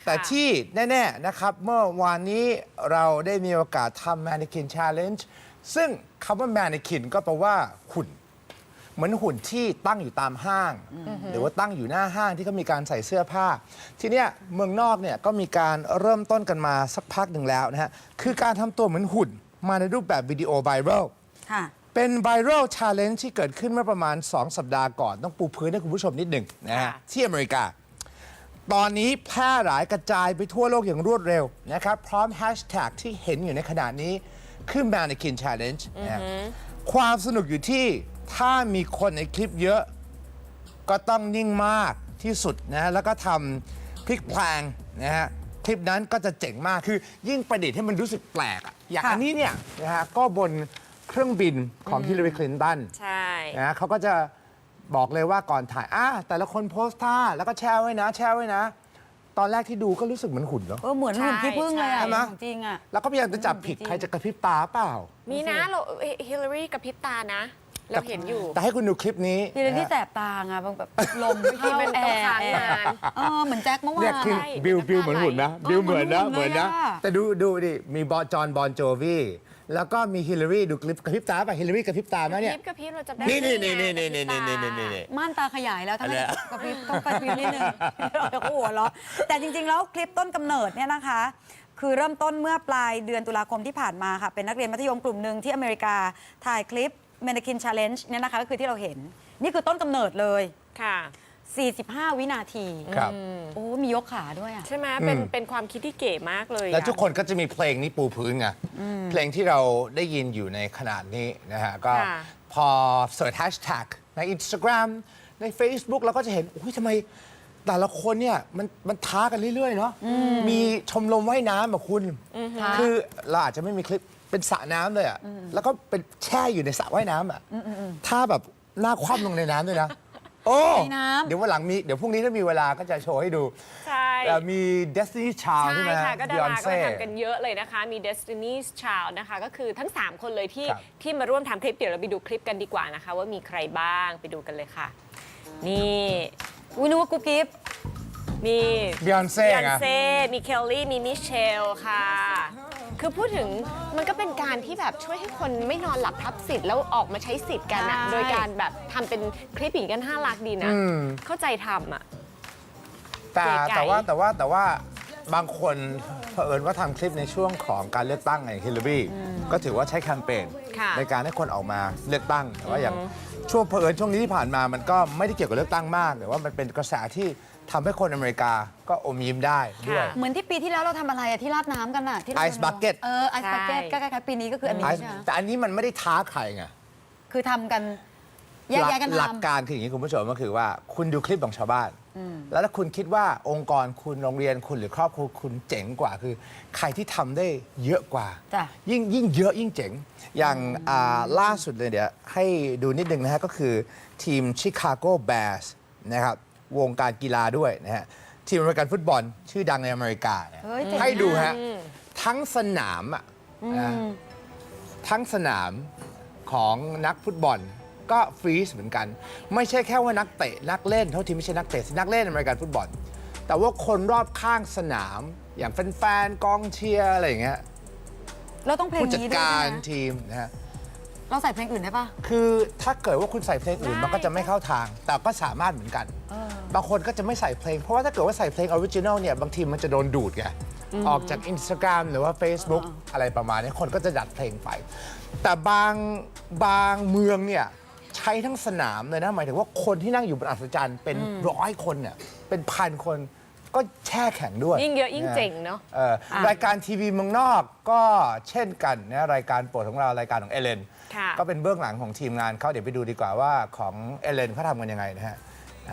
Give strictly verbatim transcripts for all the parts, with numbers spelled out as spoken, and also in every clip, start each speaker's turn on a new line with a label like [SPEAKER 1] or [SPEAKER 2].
[SPEAKER 1] แต่ที่แน่ๆนะครับเมื่อวานนี้เราได้มีโอกาสทำ Mannequin Challenge ซึ่งคำว่า Mannequin ก็แปลว่าหุ่นเหมือนหุ่นที่ตั้งอยู่ตามห้าง หรือว่าตั้งอยู่หน้าห้างที่เขามีการใส่เสื้อผ้า ทีเนี้ยเมืองนอกเนี่ยก็มีการเริ่มต้นกันมาสักพักหนึ่งแล้วนะฮะคือการทำตัวเหมือนหุ่นมาในรูปแบบวิดีโอไวรัลเป็นไวรัลชาเลนจ์ที่เกิดขึ้นเมื่อประมาณ สอง สัปดาห์ก่อนต้องปูพื้นให้คุณผู้ชมนิดหนึ่งนะฮะที่อเมริกา ตอนนี้แพร่หลายกระจายไปทั่วโลกอย่างรวดเร็วนะครับพร้อมแฮชแท็กที่เห็นอยู่ในขณะนี้คือ Mannequin Challenge นะความสนุกอยู่ที่ถ้ามีคนในคลิปเยอะก็ต้องนิ่งมากที่สุดนะแล้วก็ทำพลิกแพลงนะฮะคลิปนั้นก็จะเจ๋งมากคือยิ่งประดิษฐ์ให้มันรู้สึกแปลกอะอย่างอันนี้เนี่ยนะฮะก็บนเครื่องบินของฮิลลารีคลินตันใช่นะเขาก็จะบอกเลยว่าก่อนถ่ายอ่ะแต่ละคนโพสท่าแล้วก็แชร์ไว้นะแชร์ไว้นะตอนแรกที่ดูก็รู้สึกเหมือนหุ่นเนาะ
[SPEAKER 2] เออเหมือนหุ่นที่พึ่งเลยอะ
[SPEAKER 1] ใช่ไหม
[SPEAKER 2] จริงอะ
[SPEAKER 1] แล้วก็พยายามจะจับผิดใครจะกระพริบตาเปล่า
[SPEAKER 3] มีนะเราฮิลลารีกระพริบตานะเราเห็นอยู่
[SPEAKER 1] แต่ให้คุณดูคลิปนี้
[SPEAKER 2] ฮิลลารีแสบตาไงแบบลมเข้าแอร์เออเหมือนแจ็คเมื่อวาน
[SPEAKER 1] เนี่ยคือบิลบิลเหมือนหุ่นนะบิลเหมือนนะเหมือนนะแต่ดูดูดิมีบอจอนบอนโจวีแล้วก็มีฮิลลารีดูคลิปกระพริบตาป่ะฮิลลารีกระพริบตาไหมเนี่ย
[SPEAKER 3] กระพริบเราจะได้
[SPEAKER 1] นี่นี่นี่นี่นี่นี่นี่นี่นี่นี่
[SPEAKER 2] ม่านตาขยายแล้วถ้าไม่กระพริบต้องกระพริบนิดนึงเราจะหัวเราะแต่จริงๆแล้วคลิปต้นกำเนิดเนี่ยนะคะคือเริ่มต้นเมื่อปลายเดือนตุลาคมที่ผ่านมาค่ะเป็นนักเรียนมัธยมกลุ่มหนึ่งที่อเมริกาถ่ายคลิป Mannequin Challenge เนี่ยนะคะก็คือที่เราเห็นนี่คือต้นกำเนิดเลย
[SPEAKER 3] ค่ะ
[SPEAKER 2] สี่สิบห้า วินาที
[SPEAKER 1] ครับ
[SPEAKER 2] โอ้มียกขาด้วยอ่ะ
[SPEAKER 3] ใช่ไหมเป็นเป็นความคิดที่เก๋มากเลย
[SPEAKER 1] แล้วทุกคนก็จะมีเพลงนี้ปูพื้นไงเพลงที่เราได้ยินอยู่ในขนาดนี้นะฮะก็พอเสิร์ชแฮชแท็กใน Instagram ใน Facebook เราก็จะเห็นอุ้ยทำไมแต่ละคนเนี่ยมันมันท้ากันเรื่อยๆเนาะมีชมรมว่ายน้ำแบบคุณคือเราอาจจะไม่มีคลิปเป็นสระน้ำเลยอ่ะแล้วก็เป็นแช่อยู่ในสระว่ายน้ำอ่ะถ้าแบบหน้าคว่ำลงในน้ำด้วยนะโอ้เดี๋ยววันหลังมีเดี๋ยวพรุ่งนี้ถ้ามีเวลาก็จะโชว์ให้ดู
[SPEAKER 3] ใช่
[SPEAKER 1] มี Destiny's Child ใช่ไหม
[SPEAKER 3] ใช่ค่ะก็ดาราก็ทำกันเยอะเลยนะคะมี Destiny's Child นะคะก็คือทั้งสามคนเลยที่ที่มาร่วมทำคลิปเดี๋ยวเราไปดูคลิปกันดีกว่านะคะว่ามีใครบ้างไปดูกันเลยค่ะนี่
[SPEAKER 2] อุ้ยนึกว่ากุ๊กกิ๊บ
[SPEAKER 3] มี
[SPEAKER 1] บิยอนเซ่
[SPEAKER 3] บิยอนเซ่มีเคลลี่มีมิเชลค่ะคือพูดถึงมันก็เป็นการที่แบบช่วยให้คนไม่นอนหลับทับสิทธิ์แล้วออกมาใช้สิทธิ์กันอะโดยการแบบทำเป็นคลิปอย่างกันห้าลักดีนะเข้าใจทำอะ
[SPEAKER 1] แต่แต่ว่าแต่ว่าแต่ว่าบางคนเผอิญว่าทำคลิปในช่วงของการเลือกตั้งไงฮิลลารีก็ถือว่าใช้แคมเปญในการให้คนออกมาเลือกตั้งแต่ว่าอย่างช่วงเผอิญช่วงนี้ที่ผ่านมามันก็ไม่ได้เกี่ยวกับเลือกตั้งมากแต่ว่ามันเป็นกระแสที่ทำให้คนอเมริกาก็อมยิ้มได้ด้วย
[SPEAKER 2] เหมือนที่ปีที่แล้วเราทำอะไรอะที่ราดน้ำกันอะที่
[SPEAKER 1] ไอซ์บักเก็ต
[SPEAKER 2] เออไอซ์บักเก็ตก็คล้ายๆปีนี้ก็คืออันนี้ใช่ไหม
[SPEAKER 1] แต่อันนี้มันไม่ได้ท้าใครไง
[SPEAKER 2] คือทำกันแยกๆกันทำ
[SPEAKER 1] หลักการคืออย่างนี้คุณผู้ชมก็คือว่าคุณดูคลิปของชาวบ้านแล้วถ้าคุณคิดว่าองค์กรคุณโรงเรียนคุณหรือครอบครัวคุณเจ๋งกว่าคือใครที่ทำได้เยอะกว่ายิ่งยิ่งเยอะยิ่งเจ๋งอย่างล่าสุดเลยเดี๋ยวให้ดูนิดนึงนะฮะก็คือทีมชิคาโกแบร์สนะครับวงการกีฬาด้วยนะฮะทีมอเมริกันฟุตบอลชื่อดังในอเมริกาให้ดูฮะทั้งสนามอ่ะทั้งสนามของนักฟุตบอลก็ฟรีซเหมือนกันไม่ใช่แค่ว่านักเตะนักเล่นเท่าที่ไม่ใช่นักเตะนักเล่นอเมริกันฟุตบอลแต่ว่าคนรอบข้างสนามอย่างแฟนๆกองเชียร์อะไรอย่างเงี้ย
[SPEAKER 2] เราต้องเพลงนี้ด้วย
[SPEAKER 1] ผู้จัดการทีมนะฮะ
[SPEAKER 2] เราใส่เพลงอื่นได้ปะ
[SPEAKER 1] คือถ้าเกิดว่าคุณใส่เพลงอื่นมันก็จะไม่เข้าทางแต่ก็สามารถเหมือนกันบางคนก็จะไม่ใส่เพลงเพราะว่าถ้าเกิดว่าใส่เพลงออริจินอลเนี่ยบางทีมันจะโดนดูดไงออกจาก Instagram หรือว่า Facebook อะไรประมาณนี้คนก็จะดัดเพลงไปแต่บางบางเมืองเนี่ยใช้ทั้งสนามเลยนะหมายถึงว่าคนที่นั่งอยู่บนอัศจรรย์เป็นร้อยคนเนี่ยเป็นพันคนก็แช่แข็งด้วย
[SPEAKER 3] ยิ่งเยอะยิ่งเจ๋งเนาะ
[SPEAKER 1] รายการทีวีเมืองนอกก็เช่นกันนะรายการโปรดของเรารายการของเอเลนก็เป็นเบื้องหลังของทีมงานเขาเดี๋ยวไปดูดีกว่าว่าของเอเลนเขาทำกันยังไงนะฮะ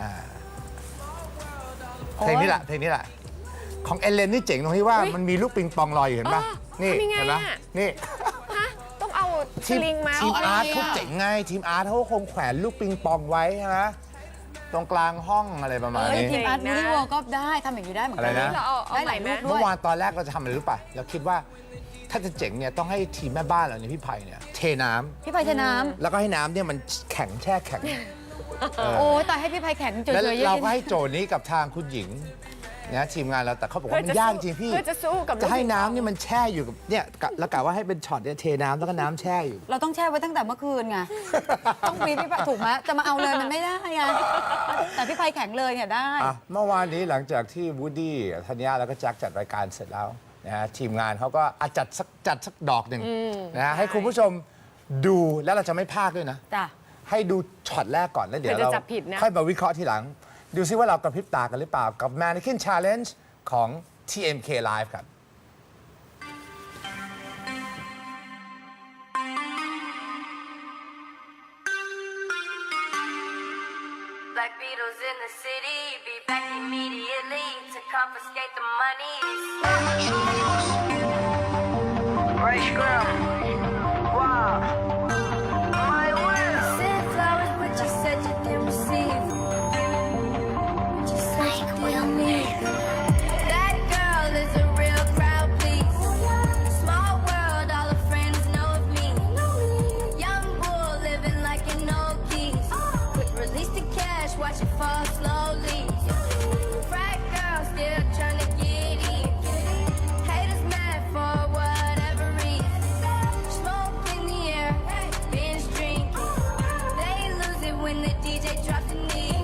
[SPEAKER 1] เพลงนี้แหละเพลงนี้แหละของเอเลนนี่เจ๋งตรงที่ว่ามันมีลูกปิงปองลอยอยู่เห็นปะนี่เห็นปะนี่
[SPEAKER 3] ต้องเอาสลิงมา
[SPEAKER 1] ทีมอาร์ตเขาเจ๋งไงทีมอาร์ตเขาคงแขวนลูกปิงปองไว้ใช่ไหมตรงกลางห้องอะไรประมาณนี้
[SPEAKER 2] ทีมอาร์ตมินิวอลก็ได้ทำอย่างนี้ได้เหมือนกัน
[SPEAKER 3] ได้หลาย
[SPEAKER 2] รูปด้วย
[SPEAKER 1] เมื่อวานตอนแรกเราจะทำอะไรรู้ป่ะเราคิดว่าถ้าจะเจ๋งเนี่ยต้องให้ทีมแม่บ้านเราเนี่ยพี่ไผ่เนี่ยเทน้
[SPEAKER 2] ำพี่ไผ่เทน้
[SPEAKER 1] ำแล้วก็ให้น้ำเนี่ยมันแข็งแช่แข็ง
[SPEAKER 2] โอ้ยแต่ให้พี่ไผ่แข็งเฉยๆ
[SPEAKER 1] แล้วเราก็ให้โจทย์นี้กับทางคุณหญิงนะทีมงานเราแต่เขาบอกว่า
[SPEAKER 3] เพื่
[SPEAKER 1] มั
[SPEAKER 3] อน จะ
[SPEAKER 1] ยาก
[SPEAKER 3] สู้
[SPEAKER 1] จริงพี่
[SPEAKER 3] เพื่อจะสู้กับ
[SPEAKER 1] จะให้
[SPEAKER 3] ลูกปิงปอง
[SPEAKER 1] น้ำนี่มันแช่อยู่กับเนี่ยกะแล้วกะว่าให้เป็นช็อตเนี่ยเทน้ำแล้วก็น้ำแช่อยู่
[SPEAKER 2] เราต้องแช่ไว้ตั้งแต่เมื่อคืนไง ต้องมีพี่ไพถูกไหมจะมาเอาเลยมันไม่ได้ไงแต่พี่ไพแข็งเลยเนี่ยได้
[SPEAKER 1] อ่ะเมื่อวานนี้หลังจากที่วูดดี้ธัญญาแล้วก็แจ็คจัดรายการเสร็จแล้วนะฮะทีมงานเขาก็อ่ะจัดสักจัดสักดอกหนึ่งนะฮะให้คุณผู้ชมดูแล้วเราจะไม่พลาดด้วยนะ
[SPEAKER 2] จ้ะ
[SPEAKER 1] ให้ดูช็อตแรกก่อนแล้วเดี๋ยว
[SPEAKER 3] เดี๋ยว
[SPEAKER 1] เรา
[SPEAKER 3] จะจับผิดนะ
[SPEAKER 1] ค่อยมาวิเคราะห์ทีหลัง ดูซิว่าเรากระพริบตากันหรือเปล่ากับ Mannequin Challenge ของ ที เอ็ม เค Live ครับ
[SPEAKER 4] Black Beatles in the city, be back immediately to confiscate the money. Fresh girl, wow, my will. Sent flowers, but you said you didn't receive. But you said you didn't need. That girl is a real crowd, please. Small world, all her friends know of me. Young bull living like an old geese. Quick release the cash, watch it fall slowly. Frat girl still trying to get in. Haters mad for whatever reason. Smoke in the air, binge drinking. They lose it when the D J drops the knee.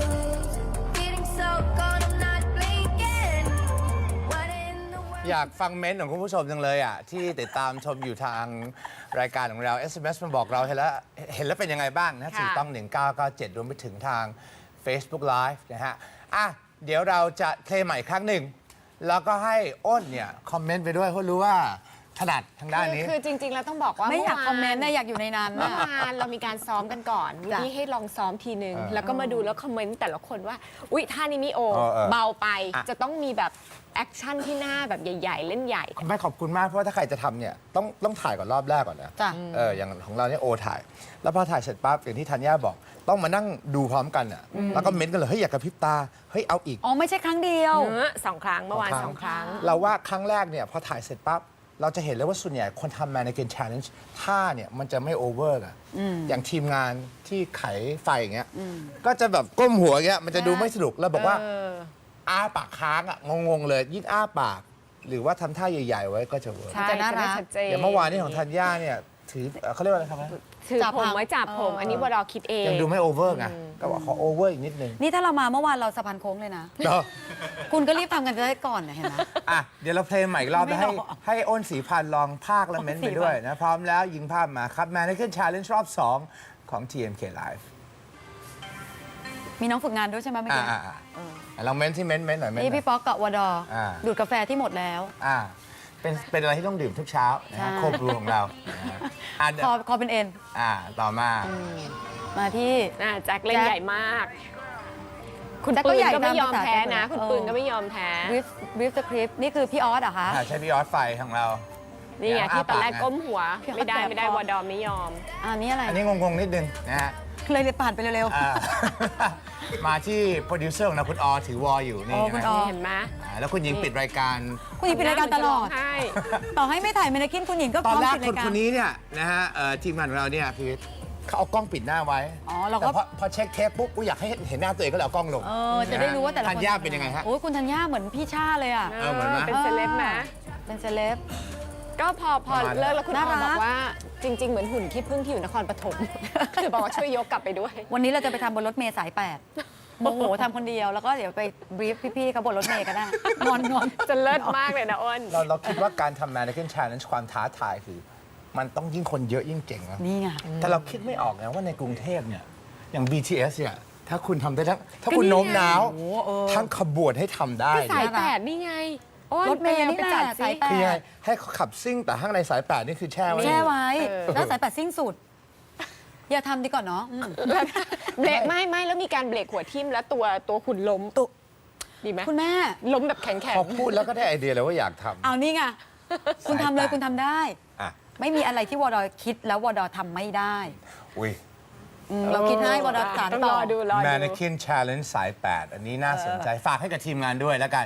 [SPEAKER 4] Getting so cold, I'm not blinking. What in the world?
[SPEAKER 1] อยากฟังเม้นต์ของคุณผู้ชมจังเลยอ่ะที่ติดตามชมอยู่ทางรายการของเรา เอส เอ็ม เอส มาบอกเราเห็นแล้วเห็นแล้วเป็นยังไงบ้างนะ
[SPEAKER 3] ค่ะ
[SPEAKER 1] สี่ต้องหนึ่งเก้าเก้าเจ็ดรวมไปถึงทาง Facebook Live นะฮะอ่ะเดี๋ยวเราจะเพลงใหม่อีกครั้งหนึ่ง แล้วก็ให้อ้นเนี่ย คอมเมนต์ไปด้วยเพราะรู้ว่าถนัดทางด้านนี้
[SPEAKER 3] คือจริง ๆ แล้วต้องบอกว่า
[SPEAKER 2] ไม่อยาก
[SPEAKER 3] ว
[SPEAKER 2] คอมเมนต์นะอยากอยู่ในนั้น
[SPEAKER 3] เมื่อ
[SPEAKER 2] นะ
[SPEAKER 3] วานเรามีการซ้อมกันก่อนวัน
[SPEAKER 2] จ้ะ
[SPEAKER 3] นี้ให้ลองซ้อมทีนึง
[SPEAKER 1] เออ
[SPEAKER 3] แล้วก็มาดูแล้วคอมเมนต์แต่ละคนว่า อุ๊ยท่านี้ไม่โอ
[SPEAKER 1] เออเออ
[SPEAKER 3] เบาไป
[SPEAKER 1] อ่ะ
[SPEAKER 3] จะต้องมีแบบแอคชั่นที่หน้าแบบใหญ่ ๆ เล่นใหญ่
[SPEAKER 1] ไม่ขอบคุณมากเพราะว่าถ้าใครจะทำเนี่ยต้องต้องถ่ายก่อนรอบแรกก่อนนะ
[SPEAKER 2] จ้ะ
[SPEAKER 1] เอออย่างของเราเนี่ยโอถ่าย แล้วพอถ่ายเสร็จปั๊บอย่างที่ธัญญาบอก ต้องมานั่งดูพร้อมกันอ่ะแล้วก็เม้นต์กันเลยเฮ้ยอยากกระพริบตาเฮ้ยเอาอีก
[SPEAKER 2] อ๋อไม่ใช่ครั้งเดียว
[SPEAKER 3] เออสองครั้งเมื่อวานสองครั้ง
[SPEAKER 1] เราว่าครั้งแรกเนี่ยพอถ่ายเสร็จปั๊บเราจะเห็นเลยว่าส่วนใหญ่คนทำ Mannequin Challenge ท่าเนี่ยมันจะไม่โอเวอร์อะอย่างทีมงานที่ไขไฟอย่างเงี้ยก็จะแบบก้มหัวอย่างเงี้ยมันจะดูไม่สนุกแล้วบอกว่า
[SPEAKER 3] เออ
[SPEAKER 1] อ้าปากค้างอะงงๆเลยยิ่งอ้าปาก หรือว่าทำท่าใหญ่ๆไว้ก็จะเวิร์ก
[SPEAKER 3] ใช่
[SPEAKER 2] จะน่ารัก
[SPEAKER 3] จะได้ชัดเจน
[SPEAKER 1] อย่างเมื่อวานนี้ของธัญญาเนี่ยถือเอ่อเขาเรียกว่าอะไรครับ
[SPEAKER 3] ถือ
[SPEAKER 2] จับ
[SPEAKER 3] ผม
[SPEAKER 2] หาง
[SPEAKER 3] ไว้จับผม
[SPEAKER 2] เอออั
[SPEAKER 3] อันนี้วดอคิดเอง
[SPEAKER 1] ยังดูไม่โอเวอร์ไงก็บอกขอโอเวอร์อีกนิดนึง
[SPEAKER 2] นี่ถ้าเรามาเมื่อวานเราสะพานโค้งเลยนะ
[SPEAKER 1] เนาะ
[SPEAKER 2] คุณก็รีบทำกันจะได้ก่อนนะเห็นไหม
[SPEAKER 1] อ่ะเดี๋ยวเราเพลงใหม่อีกรอบ
[SPEAKER 2] ไม่
[SPEAKER 1] นะให้
[SPEAKER 2] หรอก
[SPEAKER 1] ให้อ้นสีพันธ์ลองภาคและเม้นต์ไปด้วยนะ พร้อมแล้วยิงภาพมาครับ Mannequin Challenge รอบ สอง ของ ที เอ็ม เค Live
[SPEAKER 2] มีน้องฝึกงานด้วยใช่ไหมเมื่อ
[SPEAKER 1] อ่า
[SPEAKER 2] กี้
[SPEAKER 1] อ่าอ่าลองเม้นต์ที่เม้นต์เม้นต์หน่อยเม้นต์ห
[SPEAKER 2] นี่
[SPEAKER 1] น่อย
[SPEAKER 2] พี่ป๊อกกับวดอ
[SPEAKER 1] อ่า
[SPEAKER 2] ดูดกาแฟที่หมดแล้ว
[SPEAKER 1] อ่าเป็นเป็นอะไรที่ต้องดื่มทุกเช้านะฮะ
[SPEAKER 2] ใช่
[SPEAKER 1] โคบรูของเรานะฮะอ่า
[SPEAKER 2] คอคอเป็นเอ็น
[SPEAKER 1] อ่าต่อมา
[SPEAKER 2] มาที่
[SPEAKER 3] อ่ะแจ็คเล่น
[SPEAKER 2] แจ็ค
[SPEAKER 3] ใหญ่มาก คุณ
[SPEAKER 2] แจ็คก็
[SPEAKER 3] ปืน
[SPEAKER 2] ใหญ่
[SPEAKER 3] ก็ไม่ยอม
[SPEAKER 2] ตามภาษา
[SPEAKER 3] แพ้นะ
[SPEAKER 2] แจ็คเลย
[SPEAKER 3] คุณปืน
[SPEAKER 2] เออ
[SPEAKER 3] ก็ไม่ยอมแพ้
[SPEAKER 2] บริฟบริฟสคริปต์นี่คือพี่ออสเหรอคะ
[SPEAKER 1] อ่าใช้พี่ออสไฟของเรา
[SPEAKER 3] นี่ไงที่ตอนแรก
[SPEAKER 1] อ้าปากนะ
[SPEAKER 3] ก้มหัว
[SPEAKER 2] พี่
[SPEAKER 3] ไม่ได้
[SPEAKER 2] เข้าใจ
[SPEAKER 3] ไม่ได้
[SPEAKER 2] พอ
[SPEAKER 3] วดอไม่ยอม
[SPEAKER 2] อันนี้อะไร
[SPEAKER 1] อันนี้งงๆนิดนึงนะฮะ
[SPEAKER 2] เลยเลยผ่านไปเร็ว
[SPEAKER 1] อ่า มาที่โปรดิวเซอร์ของเราคุณออถือวออยู่นี่
[SPEAKER 2] อ๋อคุณออ
[SPEAKER 1] นะ
[SPEAKER 3] เห็นไหม
[SPEAKER 1] อ่าแล้วคุณหญิงปิดรายการ
[SPEAKER 2] ๆคุณหญิงปิดรายการตลอด
[SPEAKER 3] ใช่
[SPEAKER 2] ต่อให้ไม่ถ่ายเมนกินคุณหญิงก็
[SPEAKER 1] ตอนแรก
[SPEAKER 2] พร้มปิด
[SPEAKER 1] คน
[SPEAKER 2] รายา
[SPEAKER 1] ค
[SPEAKER 2] ร
[SPEAKER 1] นนี้เนี่ยนะฮะเอ่อทีมงานของเราเนี่ยคือเขาเอากล้องปิดหน้าไว้
[SPEAKER 2] อ๋อเราก็
[SPEAKER 1] แต่พอพอเช็คเทปปุ๊บกูอยากให้เห็นหน้าตัวเองก็เลยเอากล้องลง
[SPEAKER 2] เออจะได้รู้ว่าแต่ละคน
[SPEAKER 1] ธัญญาเป็นยังไงฮะ
[SPEAKER 2] โอ้ยคุณธัญญาเหมือนพี่ชาเลยอ่ะ
[SPEAKER 1] เออเหมือนไหม
[SPEAKER 3] เป็นเซเลบนะ
[SPEAKER 2] เป็นเซเลบ
[SPEAKER 3] ก็พอพอ
[SPEAKER 1] ประมาณ
[SPEAKER 3] เลิกแล้วคุณ
[SPEAKER 2] น่า
[SPEAKER 3] ออ
[SPEAKER 2] รัก
[SPEAKER 3] บอกว่าจริง ๆ เหมือนหุ่นขี้ผึ้งที่อยู่นครปฐม คือบอกว่าช่วยยกกลับไปด้วย
[SPEAKER 2] วันนี้เราจะไปทำบนรถเมล์สายแปดโมโหทำคนเดียวแล้วก็เดี๋ยวไปบรีฟพี่ๆเขาบนรถเมล์ก็ได้นอนนอน
[SPEAKER 3] จะเลิศมากเลยนะอ้น
[SPEAKER 1] เราเราคิดว่าการทำ Mannequin Challenge ความท้าทายคือ มันต้องยิ่งคนเยอะยิ่งเจ๋งนะ
[SPEAKER 2] นี่ไง
[SPEAKER 1] แต่เราคิดไม่ออกนะว่าในกรุงเทพเนี่ยอย่าง บี ที เอส เนี่ยถ้าคุณทำได้ทั้งถ้าคุณ
[SPEAKER 3] ก็นี่ไง
[SPEAKER 1] โน้มน้าว
[SPEAKER 2] โอ้เออ
[SPEAKER 1] ทั้งขบวนให้ทำได้
[SPEAKER 3] ก็สาย
[SPEAKER 1] เนี่ย
[SPEAKER 3] แปดนี่ไงอ้น
[SPEAKER 2] รถเมล์
[SPEAKER 3] ไป
[SPEAKER 2] นี่
[SPEAKER 3] ไป
[SPEAKER 2] แหละ
[SPEAKER 3] จัด
[SPEAKER 2] สาย
[SPEAKER 3] สิ
[SPEAKER 2] แปด
[SPEAKER 1] คือยังไงให้เขาขับซิ่งแต่ข้างในสายแปดนี่คือแช่ไว้
[SPEAKER 2] แช่ไว้
[SPEAKER 3] เออ
[SPEAKER 2] แล้วสายแปดสิ้นสุด อย่าทำดีกว่าเนาะอืม
[SPEAKER 3] แล้วเบรกไม่ไม่แล้วมีการเบรกหัวทิ่มแล้วตัวตัวหุ่นล้มตุดีไหม
[SPEAKER 2] คุณแม่
[SPEAKER 3] ล้มแบบแข็งแข็ง
[SPEAKER 1] พอพูดแล้วก็ได้ไอเดียเลยว่าอยากทำ
[SPEAKER 2] เอานี่ไงคุณทำเลยคุณทำได้
[SPEAKER 1] อ่ะ
[SPEAKER 2] ไม่มีอะไรที่วดอคิดแล้ววดอทำไม่ได้
[SPEAKER 1] อุ้ย
[SPEAKER 2] อืมเราคิดให้วดอสาร
[SPEAKER 3] ต้อง
[SPEAKER 2] ต่
[SPEAKER 3] ร
[SPEAKER 2] อ
[SPEAKER 3] อดูรอดู
[SPEAKER 1] Mannequin Challenge สายแปดอันนี้น่าสนใจฝากให้กับทีมงานด้วยแล้วกัน